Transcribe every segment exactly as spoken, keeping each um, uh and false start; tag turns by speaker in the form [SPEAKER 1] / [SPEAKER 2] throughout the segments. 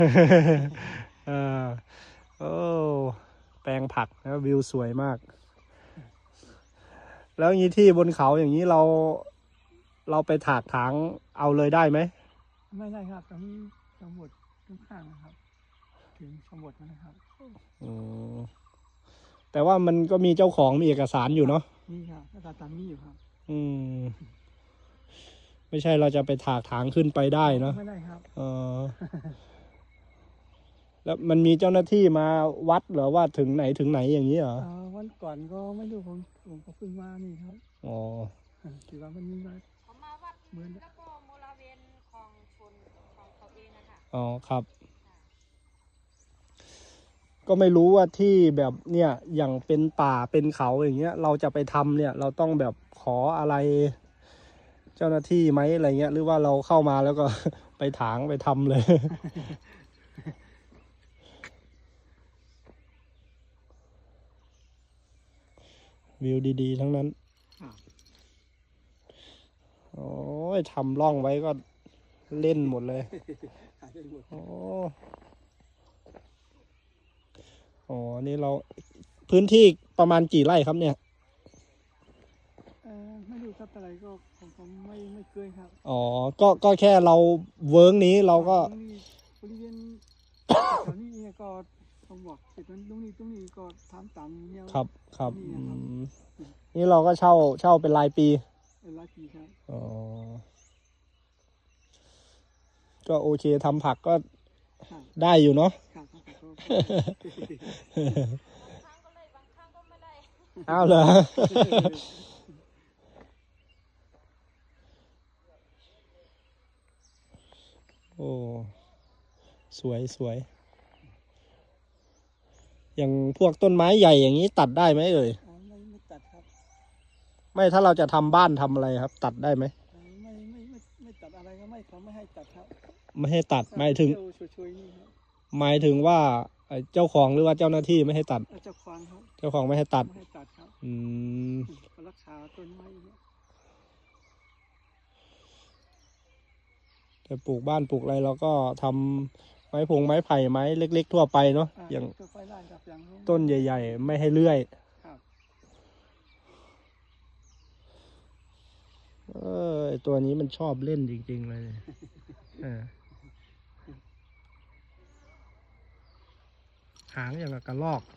[SPEAKER 1] เออโอ้แปลงผักนะวิวสวยมาก แล้วอย่างนี้ที่บนเขาอย่างนี้เรา เราไปถากถางเอาเลยได้ไหม
[SPEAKER 2] ไม่ได้ครับต้องสมุดทุกข้างนะครับถึงสมุดนะครับ
[SPEAKER 1] อืมแต่ว่ามันก็มีเจ้าของมีเอกสารอยู่เนาะ
[SPEAKER 2] นี่ครับก็ตามนี้อยู่ครับ
[SPEAKER 1] อืมไม่ใช่เราจะไปถากถางขึ้นไปได้เนาะ
[SPEAKER 2] ไม่ได้ครับ
[SPEAKER 1] เออแล้วมันมีเจ้าหน้าที่มาวัดเหรอว่าถึงไหนถึงไหนอย่างนี้เหรอ
[SPEAKER 2] วันก่อนก็ไม่รู้ผมผมก็เพิ่งมานี่ครับ
[SPEAKER 1] อ๋อ
[SPEAKER 2] ถือว่ามันมีมา
[SPEAKER 3] เขามาวัดแล้วก็บริเวณของชนของเขาเองนะคะ
[SPEAKER 1] อ๋อครับก็ไม่รู้ว่าที่แบบเนี่ยอย่างเป็นป่าเป็นเขาอย่างเงี้ยเราจะไปทำเนี่ยเราต้องแบบขออะไรเจ้าหน้าที่ไหมอะไรเงี้ยหรือว่าเราเข้ามาแล้วก็ ไปถางไปทำเลย วิวดีๆทั้งนั้นโอ้ยทำร่องไว้ก็เล่นหมดเลยโอ้โหนี่เราพื้นที่ประมาณกี่ไร่ครับเนี่ย
[SPEAKER 2] เออไม่รู้ครับอะไรก็ผมผมไม่ไม่เคยครับ
[SPEAKER 1] อ๋อก็ก็แค่เราเวิร์กนี้เราก็
[SPEAKER 2] บริเวณแถวนี้เนี่ยก็ผมบอกเสร็จตรงนี้ตรงนี้ก็ทำตามเนี่ย
[SPEAKER 1] ครับครับนี่เราก็เช่าเช่าเป็นรายปี
[SPEAKER 2] เป็นรายปีครับ
[SPEAKER 1] อ๋อก็โอเคทำผักก็ได้อยู่เนาะบางครั้ง
[SPEAKER 3] ก็เลยบางครั้งก็ไม่ได้
[SPEAKER 1] อ้าวเหรอโอ้สวยสวยอย่างพวกต้นไม้ใหญ่อย่างนี้ตัดได้ไหมเอ่ย
[SPEAKER 2] ไม่ไม่ตัดครับ
[SPEAKER 1] ไม่ถ้าเราจะทำบ้านทำอะไรครับ ตัดได้ไหม
[SPEAKER 2] ไม่ไม่ไม่ไม่ตัดอะไรก็ไม่เขาไม่ให้ตัดครับ
[SPEAKER 1] ไม่ให้ตัดหมายถึงหมายถึงว่าเจ้าของหรือว่าเจ้าหน้าที่ไม่ให้ตัด
[SPEAKER 2] เจ้าของครับ
[SPEAKER 1] เจ้าของไม่ให้ตัด
[SPEAKER 2] ไม่ให้ตัดครับ
[SPEAKER 1] อืม
[SPEAKER 2] รักษาต้นไม้
[SPEAKER 1] แต่ปลูกบ้านปลูกอะไรเราก็ทำไม้พงไม้ไผ่ไม้เล็กๆทั่วไปเนาะอย่างต้นใหญ่ๆไม่ให้เลื่อยเออตัวนี้มันชอบเล่นจริงๆเลยหางอย่างกับกระรอก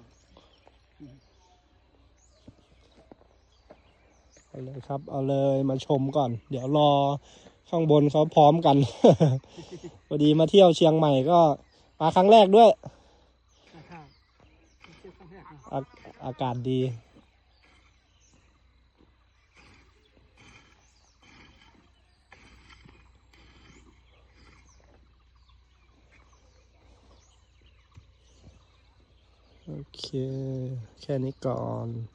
[SPEAKER 1] เอาเลยครับเอาเลยมาชมก่อนเดี๋ยวรอข้างบนเขาพร้อมกัน พอดีมาเที่ยวเชียงใหม่ก็มาครั้งแรกด้วยอาอากาศดีโอเคแค่นี้ก่อน